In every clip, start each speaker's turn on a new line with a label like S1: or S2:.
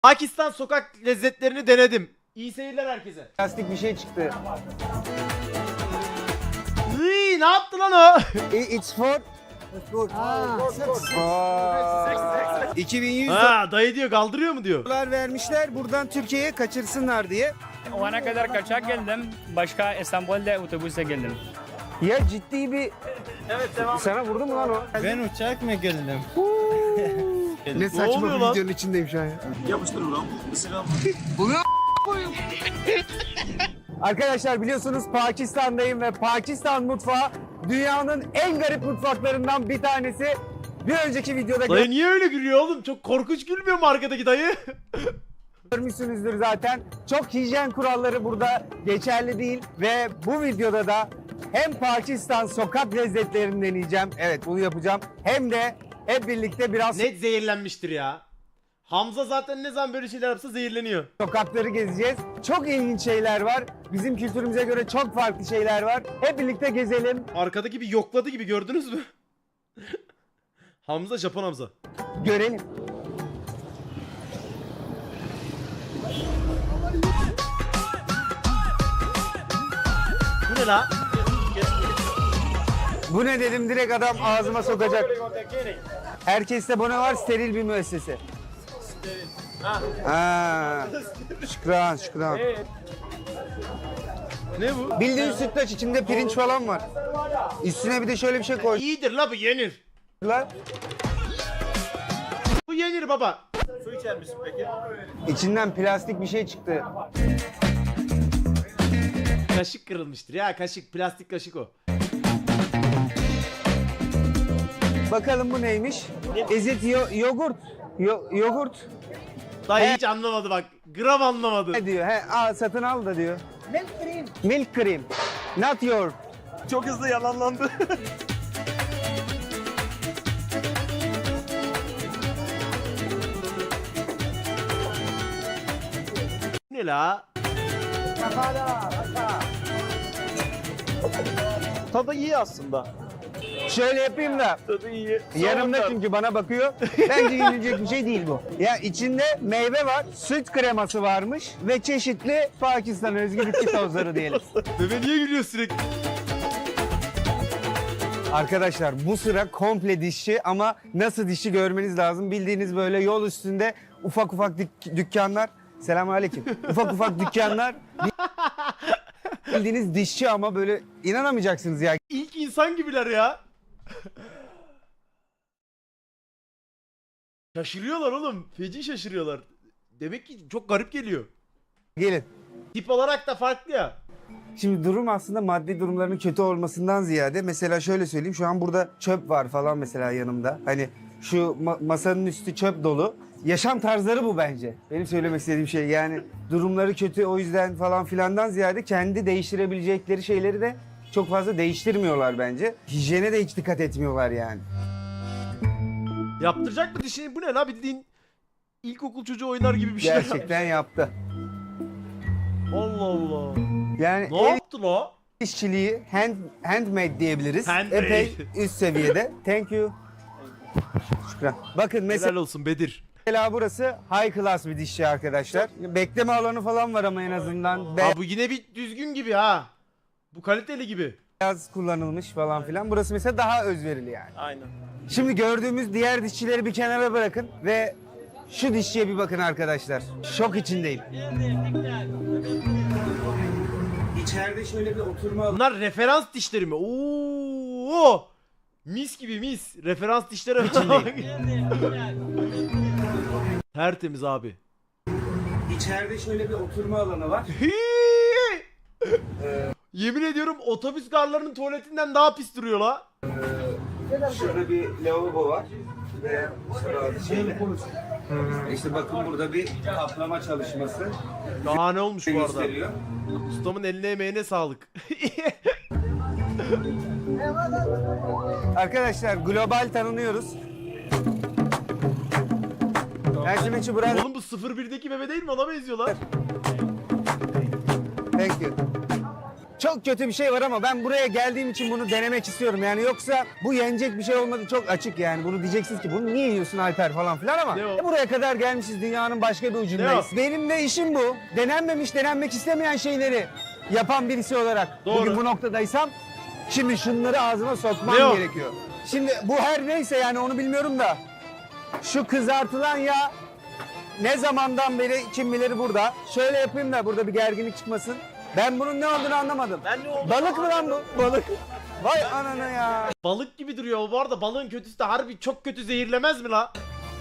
S1: Pakistan sokak lezzetlerini denedim. İyi seyirler herkese.
S2: Plastik bir şey çıktı.
S1: Iy, ne yaptı lan o?
S2: It's for 2100
S1: Ha, dayı diyor, kaldırıyor mu diyor.
S2: dolar vermişler buradan Türkiye'ye kaçırsınlar diye.
S3: O ana kadar kaçak geldim. Başka İstanbul'da otobüse geldim.
S2: Ya ciddi bir... Evet devam. Sana vurdu mu lan o?
S4: Ben uçak mı geldim?
S2: Ne saçma
S1: oluyor
S2: bir
S1: lan?
S2: videonun içindeyim şu an ya.
S5: Yapıştır ulan. Isıram.
S2: Arkadaşlar biliyorsunuz Pakistan'dayım ve Pakistan mutfağı dünyanın en garip mutfaklarından bir tanesi. Bir önceki videoda
S1: Dayı niye öyle gülüyor oğlum? Çok korkunç gülmüyor mu arkadaki dayı?
S2: görmüşsünüzdür zaten. Çok hijyen kuralları burada geçerli değil ve bu videoda da hem Pakistan sokak lezzetlerini deneyeceğim. Evet bunu yapacağım. Hem de hep birlikte biraz
S1: Net zehirlenmiştir ya. Hamza zaten ne zaman böyle şeyler yapsa zehirleniyor.
S2: sokakları gezeceğiz. Çok ilginç şeyler var. Bizim kültürümüze göre çok farklı şeyler var. Hep birlikte gezelim,
S1: Arkadaki bir yokladı gibi, gördünüz mü? Hamza, Japon Hamza.
S2: görelim.
S1: Bu ne la?
S2: Bu ne dedim direkt adam ağzıma sokacak. Herkeste bu ne var? Steril bir müessese. Ha. Şükran, şükran.
S1: Ne bu?
S2: Bildiğin sütlaç içinde pirinç falan var. Üstüne bir de şöyle bir şey koydular.
S1: İyidir la, bu yenir. Bu yenir baba.
S5: Su içer misin peki?
S2: İçinden plastik bir şey çıktı.
S1: Kaşık kırılmıştır ya, kaşık, plastik kaşık o.
S2: Bakalım bu neymiş? Is it yogurt? Yogurt.
S1: Dayı hiç anlamadı bak. Gram anlamadı.
S2: Ne diyor? He, satın al da diyor. Milk cream. Milk cream. Not your.
S5: Çok hızlı yalanlandı.
S1: Ne la?
S5: Tadı iyi aslında.
S2: Şöyle yapayım da.
S5: Tadı iyi.
S2: Yanımda çünkü bana bakıyor. Bence yenilecek bir şey değil bu. Ya içinde meyve var, süt kreması varmış ve çeşitli Pakistan özgü bitki tozları diyelim.
S1: Bebe niye gülüyor sürekli?
S2: Arkadaşlar bu sıra komple dişçi ama nasıl dişçi görmeniz lazım. Bildiğiniz böyle yol üstünde ufak ufak dükkanlar. Selamünaleyküm. Ufak ufak dükkanlar. Bildiğiniz dişçi ama böyle inanamayacaksınız ya.
S1: İlk insan gibiler ya. Şaşırıyorlar oğlum. Feci şaşırıyorlar. Demek ki çok garip geliyor.
S2: Gelin.
S1: Tip olarak da farklı ya.
S2: Şimdi durum aslında maddi durumlarının kötü olmasından ziyade mesela şöyle söyleyeyim şu an burada çöp var falan mesela yanımda. Hani şu masanın üstü çöp dolu. Yaşam tarzları bu bence. Benim söylemek istediğim şey yani durumları kötü o yüzden falan filandan ziyade kendi değiştirebilecekleri şeyleri de çok fazla değiştirmiyorlar bence. Hijyene de hiç dikkat etmiyorlar yani.
S1: Yaptıracak mı dişini? Bu ne la, bildiğin ilkokul çocuğu oynar gibi bir şey.
S2: Gerçekten yaptı.
S1: Allah Allah.
S2: Yani
S1: Ne
S2: el
S1: yaptı la?
S2: işçiliği handmade diyebiliriz.
S1: Handmade.
S2: Epey üst seviyede. Thank you. Şükran. Bakın
S1: Helal olsun Bedir.
S2: mesela burası high class bir dişçi arkadaşlar. Bekleme alanı falan var ama en azından.
S1: Ha, bu yine bir düzgün gibi ha. Bu kaliteli gibi.
S2: Beyaz kullanılmış falan filan. Burası mesela daha özverili yani.
S5: Aynen.
S2: Şimdi gördüğümüz diğer dişçileri bir kenara bırakın ve şu dişçiye bir bakın arkadaşlar. Şok içindeyim. İçeride şöyle bir oturma alanı.
S1: Bunlar referans dişleri mi? Oo! Mis gibi mis. Referans dişleri. Tertemiz abi.
S2: İçeride şöyle bir oturma alanı var.
S1: Yemin ediyorum otobüs garlarının tuvaletinden daha pis duruyor la.
S2: Şurada bir lavabo var. Ve şurada şeyle. İşte bakın burada bir kaplama çalışması
S1: Daha ne olmuş bu arada?
S2: gösteriyor.
S1: Ustamın eline emeğine sağlık.
S2: Arkadaşlar global tanınıyoruz. Ercümentçi Brand.
S1: Oğlum bu 01'deki bebe değil mi? Ona benziyorlar.
S2: Thank you. çok kötü bir şey var ama ben buraya geldiğim için bunu denemek istiyorum. Yani yoksa bu yenecek bir şey olmadı, çok açık yani. Bunu diyeceksiniz ki bunu niye yiyorsun Alper falan filan ama
S1: Ne o?
S2: buraya kadar gelmişiz, dünyanın başka bir ucundayız.
S1: Ne
S2: Benim de işim bu. Denenmemiş, denenmek istemeyen şeyleri yapan birisi olarak
S1: Doğru.
S2: bugün bu noktadaysam şimdi şunları ağzıma sokmam
S1: Ne o?
S2: gerekiyor. Şimdi bu her neyse yani onu bilmiyorum da şu kızartılan yağ ne zamandan beri kim bilir burada. Şöyle yapayım da burada bir gerginlik çıkmasın. Ben bunun ne olduğunu anlamadım.
S5: Ben ne oldu?
S2: Balık mı lan bu? Balık. Vay anana ya.
S1: Balık gibi duruyor. Bu arada balığın kötüsü de harbi çok kötü zehirlemez mi la?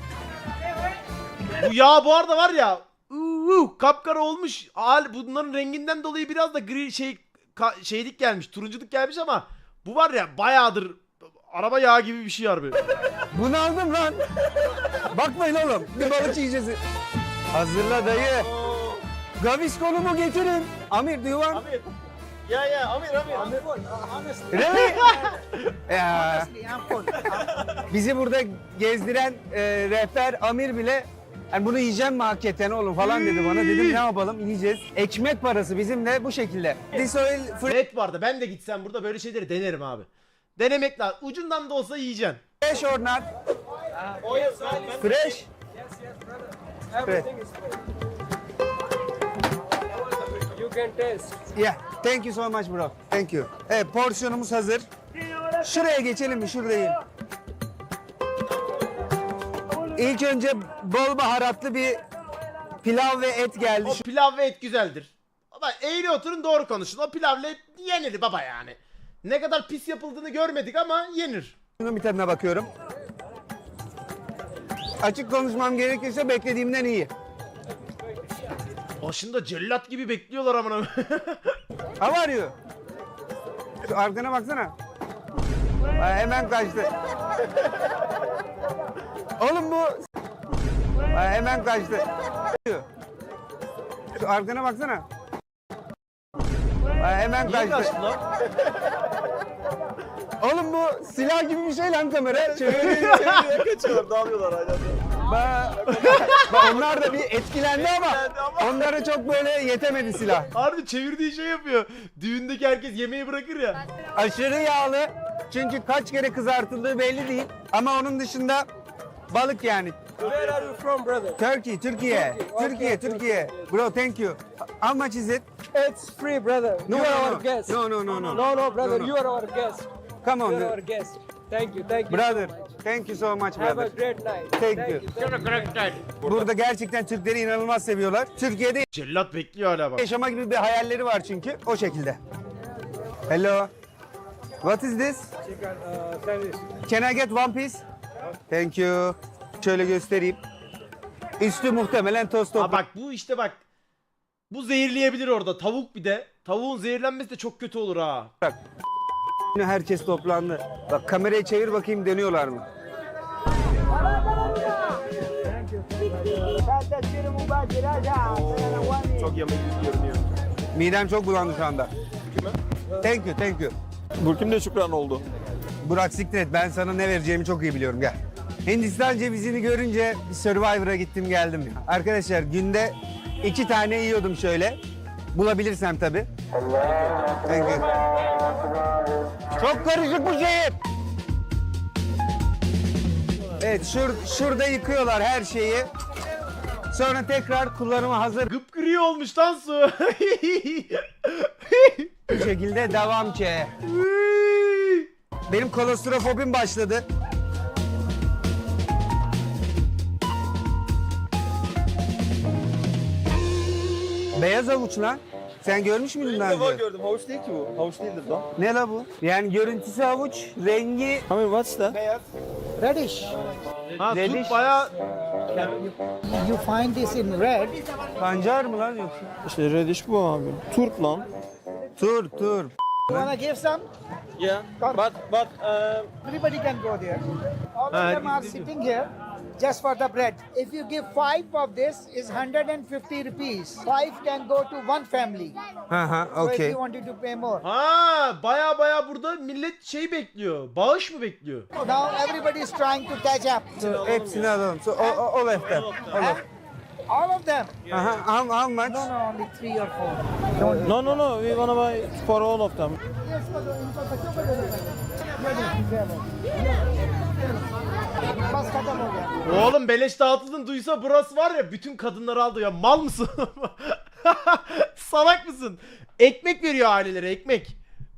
S1: Bu yağ bu arada var ya. Kapkara olmuş. Bunların renginden dolayı biraz da gri şeylik gelmiş. Turunculuk gelmiş ama bu var ya bayağıdır araba yağı gibi bir şey harbi.
S2: Bunu aldım lan. Bakmayın oğlum. Bir balık yiyeceğiz. Hazırla dayı. Gavisconumu getirin. Amir do you want?
S5: Amir. Ya Amir.
S2: Really? Ya. Bizi burada gezdiren rehber Amir bile yani bunu yiyeceğim mi hakikaten oğlum falan dedi bana. Dedim ne yapalım yiyeceğiz. Ekmek parası bizim de bu şekilde. This oil
S1: Net vardı. Ben de gitsem burada böyle şeyleri denerim abi. Denemek lazım. Ucundan da olsa yiyeceksin.
S2: fresh or not? Fresh? Fresh.
S4: You can taste.
S2: Yeah. Thank you so much bro. Thank you. Evet porsiyonumuz hazır. Şuraya geçelim mi? Şuradayım. İlk önce bol baharatlı bir pilav ve et geldi.
S1: O pilav ve et güzeldir. Ama eğri oturun doğru konuşun. O pilavla et yenir baba yani. Ne kadar pis yapıldığını görmedik ama yenir.
S2: Şunun bir tadına bakıyorum. Açık konuşmam gerekirse beklediğimden iyi.
S1: Başında cellat gibi bekliyorlar amına.
S2: How are you? Şu arkana baksana. Ay, hemen kaçtı. Oğlum bu... Ay, hemen kaçtı. Şu arkana baksana. Ay, hemen
S5: Niye
S2: kaçtı.
S5: kaçtın lan?
S2: Oğlum bu silah gibi bir şey lan kamera. Çeviriyor.
S5: Çeviriyor kaçıyorlar, dağılıyorlar hala.
S2: Onlar da bir etkilendi ama onlara çok böyle yetemedi silah.
S1: Harbi çevirdiği şey yapıyor. Düğündeki herkes yemeği bırakır ya.
S2: Aşırı yağlı. Çünkü kaç kere kızartıldığı belli değil. Ama onun dışında balık yani.
S4: Where are you from, brother?
S2: Turkey, Türkiye. Türkiye. Bro, thank you. How much is it?
S4: It's free, brother.
S2: No,
S4: You are
S2: no,
S4: our
S2: no.
S4: guest.
S2: No,
S4: No, brother.
S2: No.
S4: You are our guest.
S2: Come
S4: You are our
S2: on,
S4: guest. Thank you. Thank you.
S2: brother.
S4: So much.
S2: Thank you so much,
S4: Have a
S2: brother.
S4: great night.
S2: Thank you. Burada gerçekten Türkleri inanılmaz seviyorlar. Türkiye'de
S1: Cellat bekliyor hala bak.
S2: yaşama gibi bir hayalleri var çünkü. O şekilde. Hello. What is this?
S4: Chicken sandwich.
S2: Can I get one piece? Thank you. Şöyle göstereyim. Üstü muhtemelen toz
S1: Ha
S2: toprak.
S1: bak bu işte bak. Bu zehirleyebilir orada. Tavuk bir de. Tavuğun zehirlenmesi de çok kötü olur ha.
S2: Herkes toplandı. Bak kamerayı çevir bakayım dönüyorlar mı?
S5: Çok yemek görünüyor.
S2: Midem çok bulandı şu anda. Thank you.
S5: Bu kim de şükran oldu.
S2: Burak siktir et. Ben sana ne vereceğimi çok iyi biliyorum. Gel. Hindistan cevizini görünce bir Survivor'a gittim geldim. Arkadaşlar günde 2 tane yiyordum şöyle. Bulabilirsem tabii. Thank you. Çok karışık bu şehir. Evet şurada yıkıyorlar her şeyi. Sonra tekrar kullanıma hazır
S1: Gıpgırı olmuş lan su.
S2: bir şekilde devam ki. Benim kolostrofobim başladı. Beyaz havuç lan. Sen görmüş müydün daha
S5: İlk defa
S2: önce?
S5: gördüm. Havuç değil ki bu. Havuç değildir lan.
S2: Ne la bu? Yani görüntüsü havuç, rengi
S5: Amir what's that?
S4: Reddish.
S1: Ha
S2: Reddish.
S1: tut baya
S4: You find this in red.
S2: pancar mı lan yoksa?
S5: İşte reddish bu abi. Turp lan.
S2: Tur.
S4: You wanna give some?
S5: Yeah. But
S4: Everybody can go there. All
S1: Ah,
S4: of them are sitting here just for the bread. If you give 5 of this, is 150 rupees. 5 can go to one family.
S2: Hı,
S4: So if
S2: okey.
S4: you wanted to pay more.
S1: Ha baya burada millet şey bekliyor. Bağış mı bekliyor?
S4: Now everybody is trying to catch up.
S2: Hepsini alalım. So, all of them. All of.
S4: All of them?
S2: How much?
S4: No, no, only 3 or 4. Don't.
S5: No, no, no. We wanna buy for all of them.
S4: बस खत्म हो गया.
S1: Oğlum beleş dağıtıldın duysa burası var ya bütün kadınları aldı ya mal mısın? Salak mısın? Ekmek veriyor ailelere ekmek.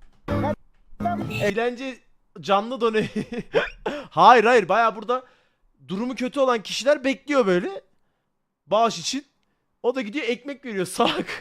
S1: Eğlence canlı done. Hayır hayır baya burada durumu kötü olan kişiler bekliyor böyle. Bağış için. O da gidiyor ekmek veriyor salak.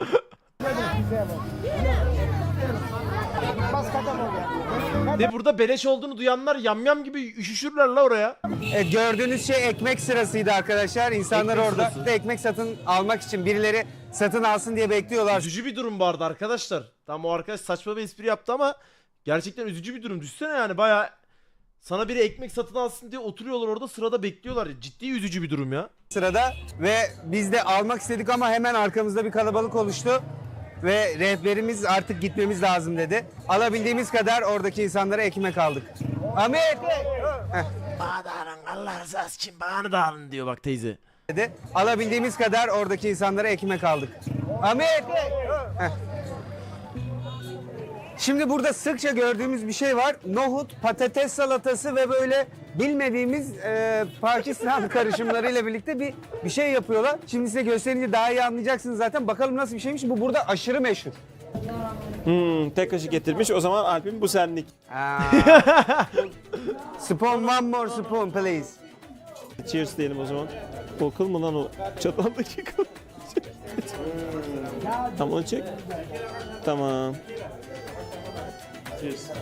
S4: बस खत्म हो गया.
S1: Ve burada beleş olduğunu duyanlar yamyam gibi üşüşürler la oraya.
S2: Gördüğünüz şey ekmek sırasıydı arkadaşlar. İnsanlar
S1: Ekmek
S2: orada
S1: sırası.
S2: da ekmek satın almak için birileri satın alsın diye bekliyorlar.
S1: Üzücü bir durum vardı arkadaşlar. Tam o arkadaş saçma bir espri yaptı ama gerçekten üzücü bir durum. Düşsene yani baya sana biri ekmek satın alsın diye oturuyorlar orada sırada bekliyorlar. Ciddi üzücü bir durum ya.
S2: Sırada ve biz de almak istedik ama hemen arkamızda bir kalabalık oluştu. Ve rehberimiz artık gitmemiz lazım dedi. Alabildiğimiz kadar oradaki insanlara ekmek aldık. Ahmet
S1: Bana da alın Allah rızası için bana da alın diyor bak teyze.
S2: dedi. Alabildiğimiz kadar oradaki insanlara ekmek aldık. Ahmet! Şimdi burada sıkça gördüğümüz bir şey var. Nohut, patates salatası ve böyle bilmediğimiz Pakistan karışımlarıyla birlikte bir şey yapıyorlar. Şimdi size gösterince daha iyi anlayacaksınız zaten. Bakalım nasıl bir şeymiş. Bu burada aşırı meşhur.
S5: Tek kaşık getirmiş. O zaman Alp'in bu senlik.
S2: Spoon, one more spoon please.
S5: Cheers diyelim o zaman. Kokul mu lan o çataldaki kıl? Tamam onu çek. Tamam. Cheers.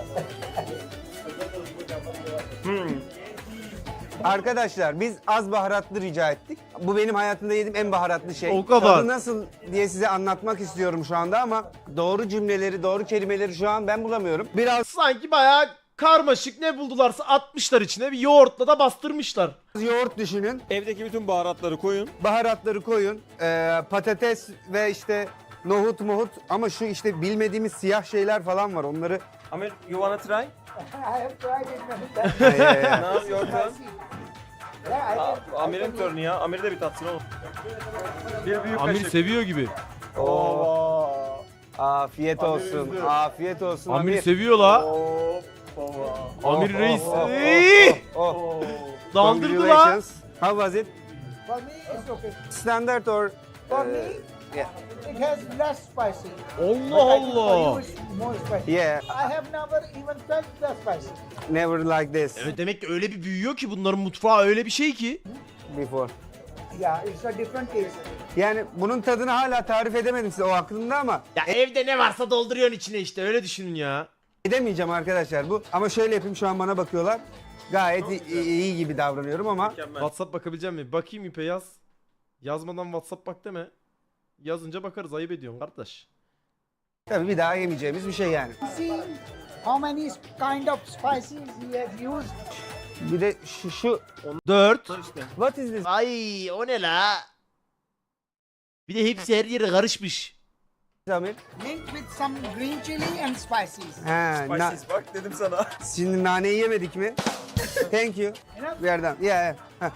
S2: Arkadaşlar biz az baharatlı rica ettik. Bu benim hayatımda yediğim en baharatlı şey.
S1: O kadar.
S2: Tadı nasıl diye size anlatmak istiyorum şu anda ama doğru cümleleri, doğru kelimeleri şu an ben bulamıyorum. Biraz
S1: Sanki bayağı karmaşık ne buldularsa atmışlar içine bir yoğurtla da bastırmışlar.
S2: yoğurt düşünün.
S5: Evdeki bütün baharatları koyun.
S2: Baharatları koyun. Patates ve işte nohut ama şu işte bilmediğimiz siyah şeyler falan var. Onları
S5: Amir, you wanna try?
S4: I have tried it many times.
S5: Now your turn.
S4: Yeah, I can.
S5: Amir'in turnu ya. Amir de bir tatsın oğlum. Bir büyük
S1: Amir
S5: kaşık.
S1: seviyor gibi.
S5: Oo.
S2: afiyet olsun.
S5: üzdü.
S2: Afiyet olsun
S1: Amir
S2: Amir.
S1: seviyor la.
S5: Baba.
S1: Amir reis.
S2: oh,
S1: İyi.
S2: Oh.
S1: Daldırdı la.
S2: Congratulations. How was it?
S4: For me, it's okay.
S2: Standard or
S4: For me,
S2: yeah.
S4: it has less spicy.
S1: Allah
S4: But I think for
S1: Allah.
S4: you it's more spicy.
S2: Yeah,
S4: I have never even felt the spicy.
S2: never like this
S1: Evet demek ki öyle bir büyüyor ki bunların mutfağı öyle bir şey ki.
S2: before.
S4: Yeah, it's a different taste.
S2: Yani bunun tadını hala tarif edemedim size o aklımda ama
S1: Ya evde ne varsa dolduruyorsun içine işte öyle düşünün ya.
S2: edemeyeceğim arkadaşlar bu. Ama şöyle yapayım şu an bana bakıyorlar. Gayet iyi gibi davranıyorum ama
S1: WhatsApp bakabileceğim mi? Bakayım İpe yaz. Yazmadan WhatsApp bak deme. Yazınca bakarız ayıp ediyorsun kardeş.
S2: tabii bir daha yemeyeceğimiz bir şey yani.
S4: See how many kind of spices he has used.
S2: Bir de şu
S1: 4.
S2: what is this?
S1: Ay o ne la? Bir de hepsi her yere karışmış.
S2: Amir?
S4: Linked with some green chili and spices.
S2: Ha,
S5: Bak dedim sana.
S2: şimdi naneyi yemedik mi? Thank you.
S4: Enough?
S2: Bir yerden. Yeah. Heh.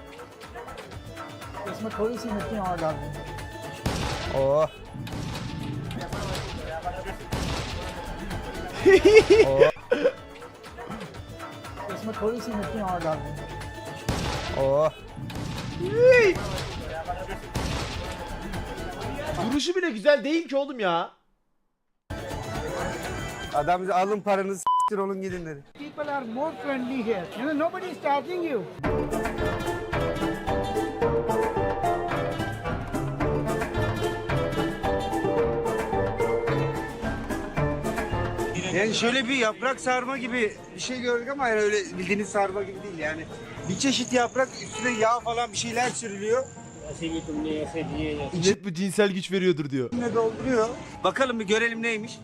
S4: इसमें थोड़ी सी मिर्ची और डाल देंगे.
S2: Oh.
S4: इसमें थोड़ी सी मिर्ची और डाल देंगे.
S2: Oh.
S1: Duruşu bile güzel değil ki oğlum ya.
S2: Adam bize alın paranızı s**tir olun gidin dedi.
S4: People are more friendly here. You know, nobody is charging you.
S2: Yani şöyle bir yaprak sarma gibi bir şey gördük ama yani öyle bildiğiniz sarma gibi değil yani. Bir çeşit yaprak üstüne yağ falan bir şeyler sürülüyor.
S1: İçet bu cinsel güç veriyordur diyor.
S2: İçine dolduruyor. Bakalım bir görelim neymiş.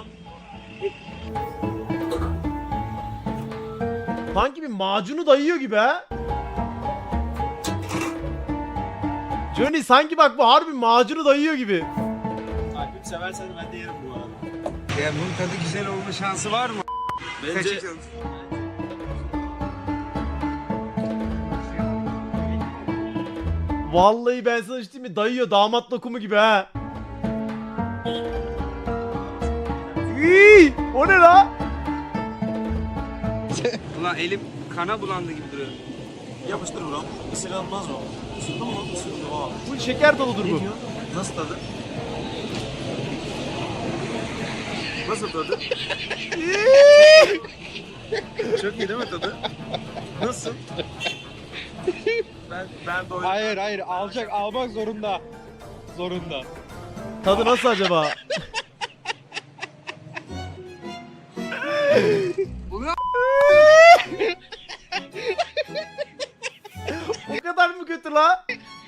S1: Sanki bir macunu dayıyor gibi ha. Johnny sanki bak bu harbi macunu dayıyor gibi.
S5: Alp'im seversen ben de yerim bu arada.
S2: Ya bunun tadı güzel olma şansı var mı?
S5: Bence
S1: Vallahi ben sana işte mi dayıyor damat lokumu gibi ha. İyi, o ne la?
S2: Ulan elim kana bulandı gibi duruyor.
S5: Yapıştır buram. Isırılmaz o. Isırdın mı? Isırdım.
S1: Bu şeker doludur bu.
S5: Nasıl tadı? Nasıl tadı? Çok iyi değil mi tadı? Nasıl? Ben doydum.
S6: Hayır almak zorunda.
S1: Tadı nasıl acaba? O kadar mı kötü la?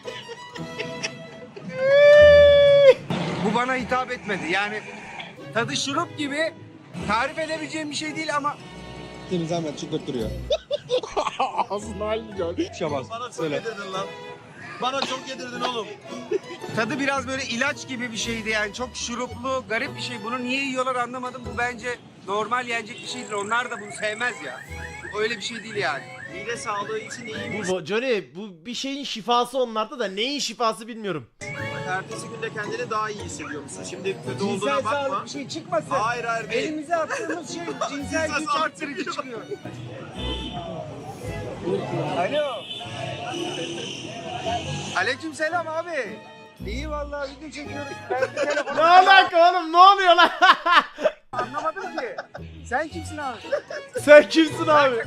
S2: Bu bana hitap etmedi. Yani tadı şurup gibi, tarif edebileceğim bir şey değil ama
S6: Seni zahmet çıkarttırıyor. Ağzının halini gör. Şabaz.
S5: Bana çok yedirdin lan. Bana çok yedirdin oğlum.
S2: tadı biraz böyle ilaç gibi bir şeydi yani. Çok şuruplu, garip bir şey. Bunu niye yiyorlar anlamadım. Bu bence normal yenecek bir şeydir. Onlar da bunu sevmez ya. Öyle bir şey değil yani.
S5: Mide sağlığı için iyi.
S1: Bu Johnny bu bir şeyin şifası onlarda da neyin şifası bilmiyorum.
S5: Ertesi günde kendini daha iyi hissediyor musun? Şimdi kötü
S4: Cinsel
S5: olduğuna bakma.
S4: sağlık bir şey çıkmasın.
S5: Hayır değil.
S4: Elimize attığımız şey cinsel güç
S5: sağlık
S4: arttırıcı
S5: çıkıyor.
S4: çıkıyor. Alo.
S2: Aleykümselam abi. İyi vallahi video çekiyoruz. Ben bir telefonu
S1: Ne alaka oğlum ne oluyor lan?
S2: anlamadım ki. Sen kimsin abi?
S1: Sen kimsin abi?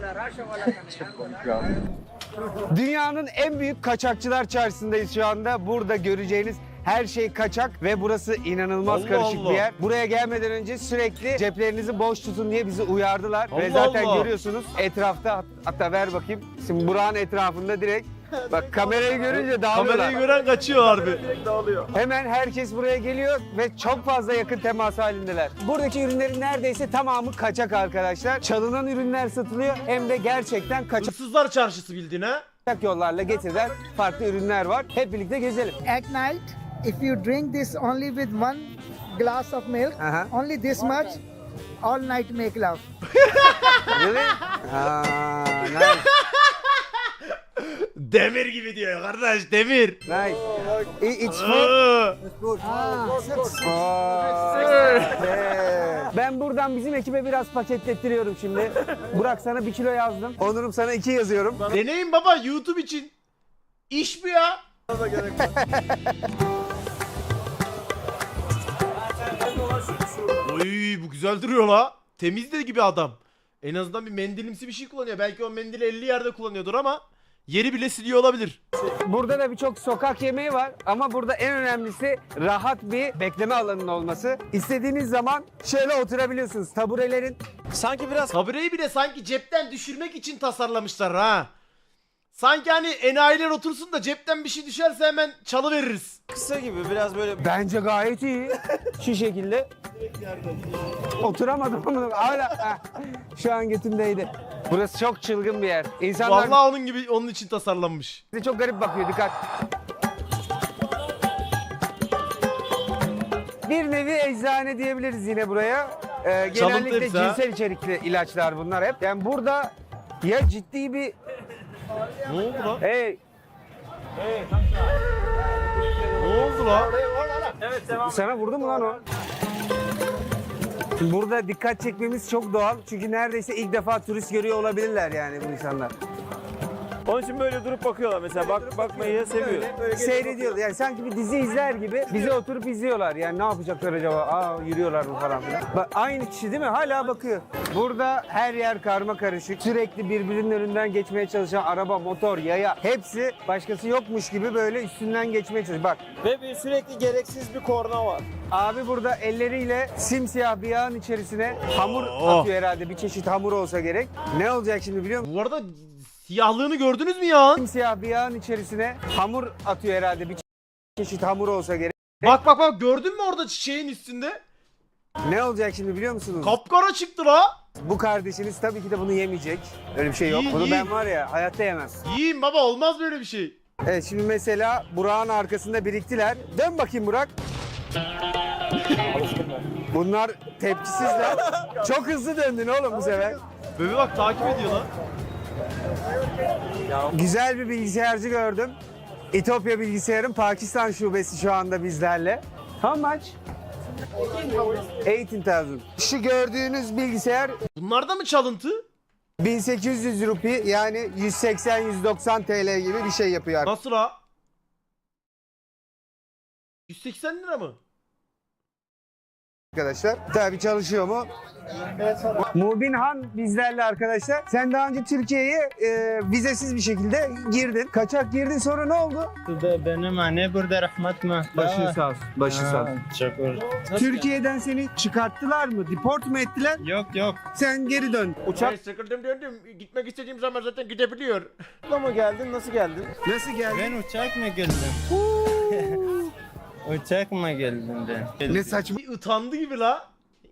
S2: Dünyanın en büyük kaçakçılar çarşısındayız şu anda. Burada göreceğiniz her şey kaçak ve burası inanılmaz
S1: Allah
S2: karışık
S1: Allah.
S2: bir yer. Buraya gelmeden önce sürekli ceplerinizi boş tutun diye bizi uyardılar. Ve
S1: Allah
S2: zaten
S1: Allah.
S2: görüyorsunuz etrafta, hatta ver bakayım. Şimdi Burak'ın etrafında direkt bak kamerayı görünce dağılıyorlar.
S1: Kamerayı gören kaçıyor harbi.
S2: Hemen herkes buraya geliyor ve çok fazla yakın temas halindeler. Buradaki ürünlerin neredeyse tamamı kaçak arkadaşlar. Çalınan ürünler satılıyor hem de gerçekten kaçak
S1: Hırsızlar çarşısı bildiğin ha?
S2: yollarla getirilen farklı ürünler var. Hep birlikte gezelim.
S4: At night, if you drink this only with one glass of milk,
S2: Uh-huh.
S4: only this much, all night make love.
S2: Really? Aa, nice.
S1: Demir gibi diyor kardeş demir.
S2: Nice. It's food. Ben buradan bizim ekibe biraz paketlettiriyorum şimdi. Burak sana 1 kilo yazdım. Onur'um sana 2 yazıyorum.
S1: Deneyin baba YouTube için. İş bu ya. Oy bu güzel duruyor la. Temiz de gibi adam. En azından bir mendilimsi bir şey kullanıyor. Belki o mendili 50 yerde kullanıyordur ama yeri bile siliyor olabilir.
S2: Burada da birçok sokak yemeği var ama burada en önemlisi rahat bir bekleme alanının olması. İstediğiniz zaman şöyle oturabiliyorsunuz. Taburelerin
S5: Sanki biraz
S1: Tabureyi bile sanki cepten düşürmek için tasarlamışlar ha. Sanki hani enayiler otursun da cepten bir şey düşerse hemen çalıveririz.
S5: kısa gibi, biraz böyle
S2: bence gayet iyi. Şu şekilde. Oturamadım ama hala şu an götümdeydi. Burası çok çılgın bir yer. İnsanlar
S1: Vallahi onun gibi onun için tasarlanmış.
S2: bize çok garip bakıyor, dikkat. Bir nevi eczane diyebiliriz yine buraya. Genellikle
S1: hepsi ha.
S2: cinsel içerikli ilaçlar bunlar hep. Yani burada ya ciddi bir...
S1: Ne oldu lan?
S2: Hey,
S1: Ne oldu lan?
S2: sana vurdu mu lan o? Burada dikkat çekmemiz çok doğal. Çünkü neredeyse ilk defa turist görüyor olabilirler yani bu insanlar.
S5: onun için böyle durup bakıyorlar mesela. Bakmayı seviyor.
S2: Seyrediyorlar. Yani sanki bir dizi izler gibi bizi oturup izliyorlar. Yani ne yapacaklar acaba? Aa, yürüyorlar mı falan filan. Bak, aynı kişi değil mi? Hala bakıyor. Burada her yer karma karışık. Sürekli birbirinin önünden geçmeye çalışan araba, motor, yaya hepsi başkası yokmuş gibi böyle üstünden geçmeye çalışıyor. Bak,
S5: Ve bir sürekli gereksiz bir korna var.
S2: abi burada elleriyle simsiyah bir yağın içerisine hamur
S1: Oh.
S2: atıyor herhalde. Bir çeşit hamur olsa gerek. Ne olacak şimdi biliyor musun?
S1: Bu arada siyahlığını gördünüz mü ya?
S2: Simsiyah bir yağın içerisine hamur atıyor herhalde. Bir çeşit hamur olsa gerek.
S1: Bak bak bak gördün mü orada çiçeğin üstünde?
S2: Ne olacak şimdi biliyor musunuz?
S1: Kapkara çıktı la.
S2: Bu kardeşiniz tabii ki de bunu yemeyecek. Öyle bir şey yok.
S1: İyi,
S2: Bunu
S1: iyi.
S2: ben var ya hayatta yemem.
S1: Yiyin baba olmaz böyle bir şey.
S2: Evet, şimdi mesela Burak'ın arkasında biriktiler. Dön bakayım Burak. Bunlar tepkisizler. Çok hızlı döndün oğlum bu sefer.
S1: Bebe bak takip ediyor lan.
S2: Güzel bir bilgisayarcı gördüm. İtopya Bilgisayar'ın Pakistan şubesi şu anda bizlerle. How much? 18,000. Şu gördüğünüz bilgisayar
S1: Bunlar da mı çalıntı?
S2: 1800 rupi yani 180-190 TL gibi bir şey yapıyor
S1: Nasıl ha? 180 lira mı?
S2: arkadaşlar. Tabii çalışıyor mu? Mubin Han bizlerle arkadaşlar. Sen daha önce Türkiye'ye vizesiz bir şekilde girdin. Kaçak girdin, sonra ne oldu?
S7: Benim anne burada rahmet mi?
S2: Başın sağ olsun. Başın sağ olsun.
S7: Şükür.
S2: Türkiye'den seni çıkarttılar mı? Deport mu ettiler?
S7: Yok.
S2: Sen geri dön.
S1: Uçak. Sıkıldım döndüm. Gitmek istediğim zaman zaten gidebiliyor.
S5: Ama geldin, nasıl geldin?
S2: Nasıl geldin?
S7: Ben uçak mı geldim? Uçak mı geldim ben?
S2: Ne saçma.
S1: Bir utandı gibi la.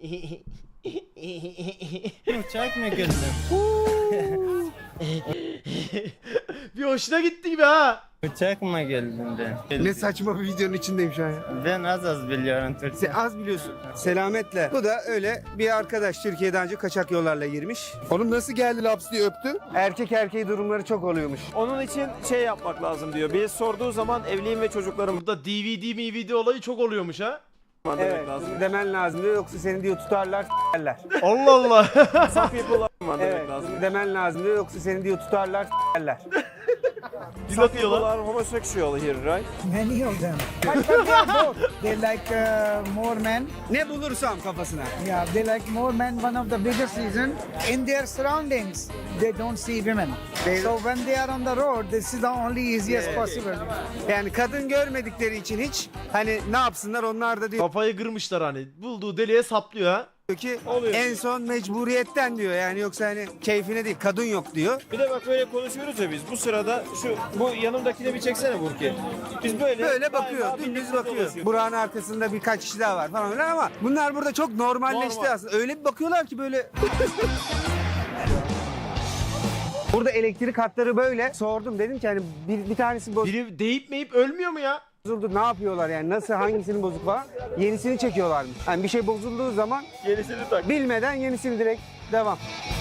S7: Uçak mı geldim?
S1: Bir hoşuna gitti gibi ha.
S7: Uçak mı geldim ben?
S2: Ne saçma bir videonun içindeyim şu an ya.
S7: Ben az biliyorum Türkçe.
S2: Sen az biliyorsun. Selametle. Bu da öyle bir arkadaş, Türkiye'den önce kaçak yollarla girmiş.
S6: Oğlum nasıl geldi laps diye öptü?
S2: Erkek erkeği durumları çok oluyormuş.
S5: Onun için şey yapmak lazım diyor. Bir sorduğu zaman evliyim ve çocuklarım
S1: Burada DVD olayı çok oluyormuş ha.
S5: var demek
S2: Evet,
S5: lazım.
S2: demen lazım diyor, yoksa seni diyor tutarlar, s**erler.
S1: Allah Allah.
S5: Saf yapılar var demek
S2: Evet,
S5: lazım.
S2: demen lazım diyor, yoksa seni diyor tutarlar, s**erler.
S1: Dil atıyor lan.
S5: People are homosexual here, right?
S4: Many of them. But they are both. They like more men.
S2: Ne bulursam kafasına.
S4: Yeah, they like more men. One of the biggest reason in their surroundings, they don't see women. So when they are on the road, this is the only easiest possible.
S2: Yani kadın görmedikleri için hiç hani ne yapsınlar, onlar da diyor
S1: Kafayı kırmışlar hani. Bulduğu deliğe saplıyor ha.
S2: ki en son mecburiyetten diyor, yani yoksa hani keyfine değil, kadın yok diyor.
S5: Bir de bak böyle konuşuyoruz ya biz. Bu sırada bu yanımdakine bir çeksene Burki. Biz böyle
S2: Bakıyor,
S5: galiba
S2: dümdüz
S5: birlikte
S2: bakıyor.
S5: dolaşıyoruz.
S2: Burak'ın arkasında birkaç kişi daha var falan filan, ama bunlar burada çok normalleşti
S5: Normal.
S2: aslında. Öyle bir bakıyorlar ki böyle. Burada elektrik hatları böyle. Sordum, dedim ki hani bir tanesi
S1: Biri deyip meyip ölmüyor mu ya?
S2: bozuldu, ne yapıyorlar yani, nasıl, hangisinin bozuk var? Yenisini çekiyorlarmış. Yani bir şey bozulduğu zaman
S5: Yenisini tak.
S2: bilmeden yenisini direkt devam.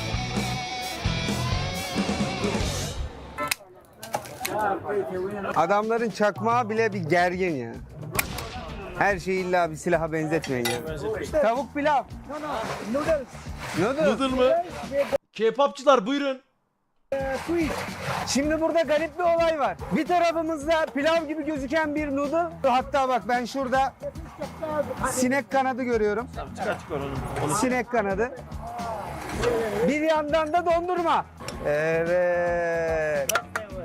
S2: Adamların çakmağı bile bir gergin ya. Her şeyi illa bir silaha benzetmeyin ya. Tavuk pilav.
S4: Noodles,
S2: Noodle.
S1: Noodle mı? K-popçular buyurun.
S4: sweet.
S2: Şimdi burada garip bir olay var. Bir tarafımızda pilav gibi gözüken bir noodle. Hatta bak, ben şurada sinek kanadı görüyorum.
S5: Çıkar onu.
S2: Sinek kanadı. Bir yandan da dondurma. Evet.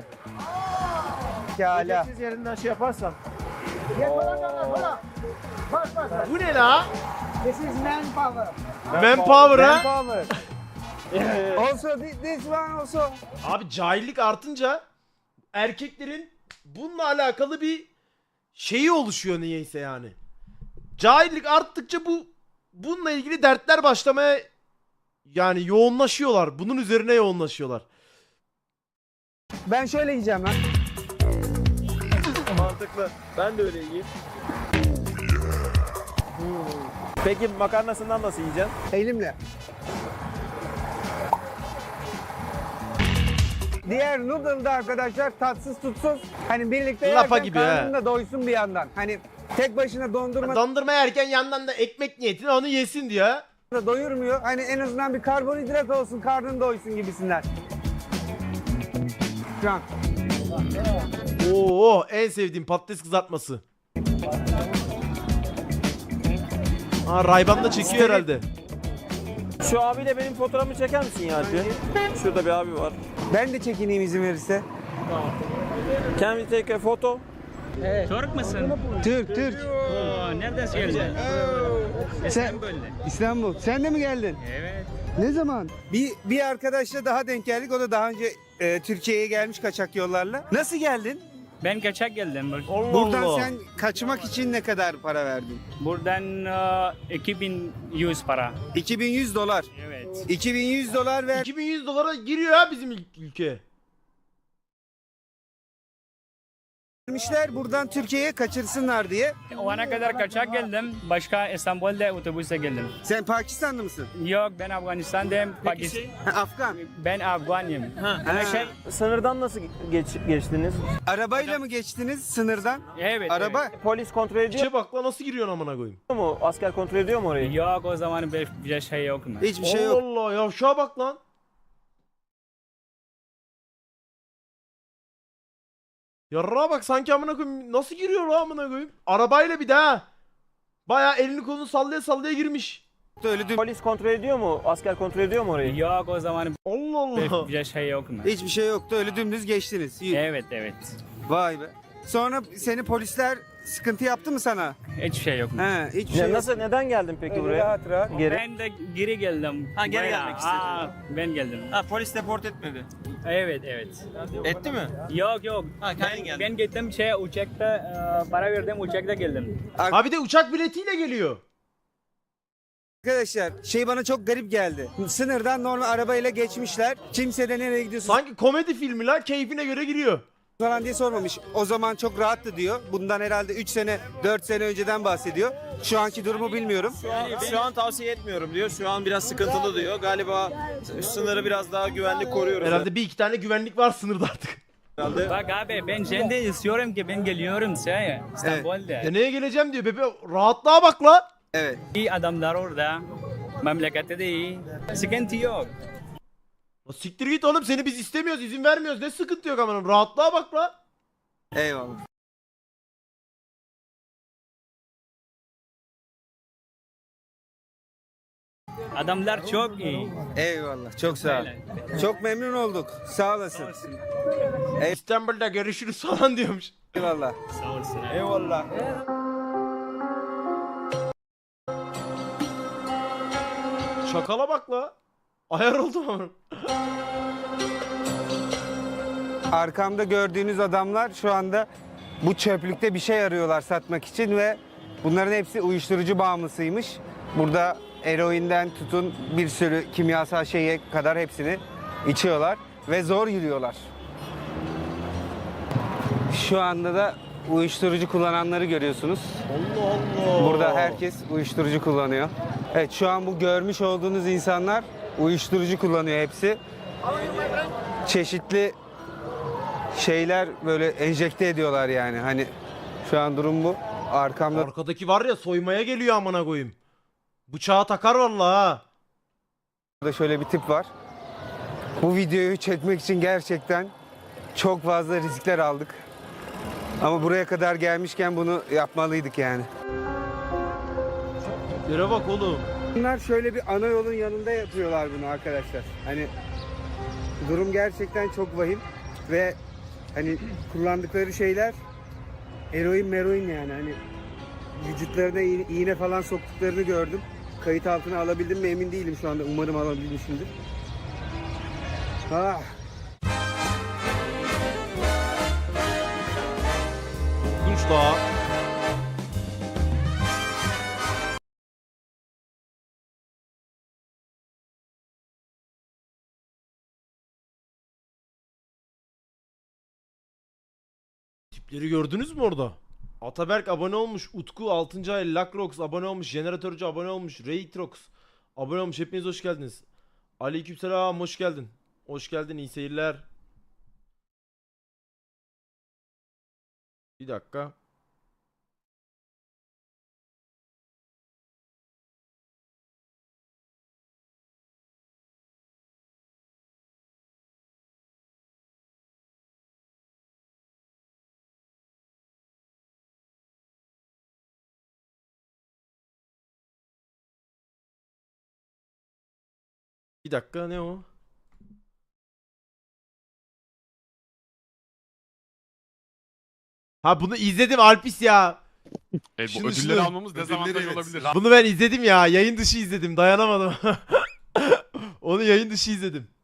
S2: Pekala.
S5: Siz yerinden şey yaparsan.
S1: Bu ne la?
S4: This is manpower.
S1: Manpower ha?
S2: Manpower. Also this one also.
S1: Abi cahillik artınca erkeklerin bununla alakalı bir şeyi oluşuyor niyeyse yani. Cahillik arttıkça bununla ilgili dertler başlamaya yani yoğunlaşıyorlar. Bunun üzerine yoğunlaşıyorlar.
S2: Ben şöyle yiyeceğim lan.
S5: Mantıklı. Ben de öyle yiyeyim. Peki makarnasından nasıl yiyeceksin?
S2: Elimle. Diğer noodle'da arkadaşlar tatsız tutsuz. Hani birlikte
S1: Lapa
S2: yerken
S1: gibi ha.
S2: karnın da doysun bir yandan. Hani tek başına dondurma
S1: Dondurma yerken yandan da ekmek niyetine onu yesin diyor.
S2: da doyurmuyor. Hani en azından bir karbonhidrat olsun, karnın doysun gibisinden. Şu an.
S1: Oo, en sevdiğim patates kızartması. Aa, Rayban da çekiyor herhalde.
S5: Şu abiyle benim fotoğrafımı çeker misin ya Alpi? Şurada bir abi var.
S2: Ben de çekineyim izin verirse.
S5: Can we take a photo?
S3: Türk müsün?
S2: Türk, Türk.
S3: Oo, nereden geldin? İstanbul'da.
S2: İstanbul. Sen de mi geldin?
S3: Evet.
S2: Ne zaman? Bir arkadaşla daha denk geldik. O da daha önce Türkiye'ye gelmiş kaçak yollarla. Nasıl geldin?
S3: Ben kaçak geldim.
S1: Allah
S2: Buradan
S1: Allah.
S2: sen kaçmak için ne kadar para verdin?
S3: Buradan 2100 para.
S2: 2100 dolar.
S3: Evet.
S2: 2100 dolar ver.
S1: 2100 dolara giriyor ha bizim ülke.
S2: Gelmişler buradan Türkiye'ye kaçırsınlar diye.
S3: O ana kadar kaçak geldim. Başka İstanbul'da otobüse geldim.
S2: Sen Pakistanlı mısın?
S3: Yok, ben Afganistan'dayım.
S2: Afgan.
S3: Ben Afganıyım.
S5: Sınırdan nasıl geçtiniz?
S2: Arabayla mı geçtiniz sınırdan?
S3: Evet.
S2: Araba.
S5: Polis kontrol ediyor
S1: İçe bak lan nasıl giriyorsun amına koyayım.
S5: mu? Asker kontrol ediyor mu orayı?
S3: Evet. Yok, o zaman bir şey yok mu?
S2: Hiçbir şey yok.
S1: Allah Allah yavşağa bak lan. Yarrağa bak sanki amına koyayım nasıl giriyor lan amına koyayım. Arabayla bir daha. Baya elini kolunu sallaya sallaya girmiş.
S2: Öyle düm-
S5: Polis kontrol ediyor mu? Asker kontrol ediyor mu orayı?
S3: Yok, o zaman
S1: Allah Allah.
S3: bir şey yok mu?
S2: Hiçbir şey yoktu. Öyle dümdüz geçtiniz.
S3: Evet.
S2: Vay be. Sonra seni polisler sıkıntı yaptı mı sana?
S3: Hiçbir şey yok mu?
S2: He, hiçbir şey yok.
S5: Nasıl, neden geldin peki
S2: Öyle
S5: buraya?
S2: rahat rahat.
S5: Geri.
S3: Ben de geri geldim.
S7: Ha, geri
S3: Bayağı.
S7: gelmek istedin.
S3: Ben geldim.
S7: Ha, polis deport etmedi.
S3: Evet.
S7: Etti mi?
S3: Yok.
S7: Ha, kendin geldin.
S3: Ben gittim uçakta para verdim, uçakta geldim.
S1: Ha bir de uçak biletiyle geliyor.
S2: Arkadaşlar şey bana çok garip geldi. Sınırdan normal arabayla geçmişler. Kimse de nereye gidiyorsun
S1: Sanki komedi filmi la keyfine göre giriyor.
S2: falan diye sormamış. O zaman çok rahattı diyor. Bundan herhalde 3 sene 4 sene önceden bahsediyor. Şu anki durumu bilmiyorum.
S5: Şu an tavsiye etmiyorum diyor. Şu an biraz sıkıntılı diyor. Galiba sınırı biraz daha güvenli koruyoruz.
S1: Herhalde bir iki tane güvenlik var sınırda artık.
S5: Herhalde.
S3: Bak abi, ben şimdi istiyorum ki ben geliyorum İstanbul'da.
S1: Neye geleceğim diyor bebe. Rahatlığa bak la.
S2: Evet.
S3: İyi adamlar orada. Memlekette de iyi. Sıkıntı yok.
S1: La siktir git oğlum seni biz istemiyoruz izin vermiyoruz. Ne sıkıntı yok amanım. Rahatlığa bak la.
S2: Eyvallah.
S3: Adamlar çok iyi.
S2: Eyvallah. Çok sağ ol. Çok memnun olduk. Sağ olasın.
S1: İstanbul'da görüşürüz falan diyormuş.
S2: Eyvallah.
S3: Sağ olsun.
S2: Eyvallah.
S1: Şakala bak la. Ayar oldum ama.
S2: Arkamda gördüğünüz adamlar şu anda bu çöplükte bir şey arıyorlar satmak için ve bunların hepsi uyuşturucu bağımlısıymış. Burada eroinden tutun bir sürü kimyasal şeye kadar hepsini içiyorlar ve zor yürüyorlar. Şu anda da uyuşturucu kullananları görüyorsunuz.
S1: Allah Allah.
S2: Burada herkes uyuşturucu kullanıyor. Evet şu an bu görmüş olduğunuz insanlar uyuşturucu kullanıyor hepsi. Çeşitli şeyler böyle enjekte ediyorlar yani. Hani şu an durum bu. Arkamda
S1: Arkadaki var ya soymaya geliyor amına koyayım. Bıçağı takar vallahi ha.
S2: da şöyle bir tip var. Bu videoyu çekmek için gerçekten çok fazla riskler aldık. Ama buraya kadar gelmişken bunu yapmalıydık yani.
S1: Yere bak oğlum.
S2: Bunlar şöyle bir ana yolun yanında yapıyorlar bunu arkadaşlar. Hani durum gerçekten çok vahim ve hani kullandıkları şeyler eroin yani hani vücutlarına iğne falan soktuklarını gördüm. Kayıt altına alabildim mi emin değilim şu anda. Umarım alabilmişimdir. Ah.
S1: Kunç daha. Tipleri gördünüz mü orada? Ataberk abone olmuş. Utku 6. ay. Lakrox abone olmuş. Jeneratörcü abone olmuş. Raytrox abone olmuş. Hepiniz hoş geldiniz. Aleykümselam hoş geldin. Hoş geldin iyi seyirler. Bir dakika. Bir dakika ne o? Ha bunu izledim Alpis ya.
S6: Bu
S1: Şunu-
S6: ödülleri
S1: şunu-
S6: almamız dezavantaj olabilir.
S1: Bunu ben izledim ya. Yayın dışı izledim. Dayanamadım. Onu yayın dışı izledim.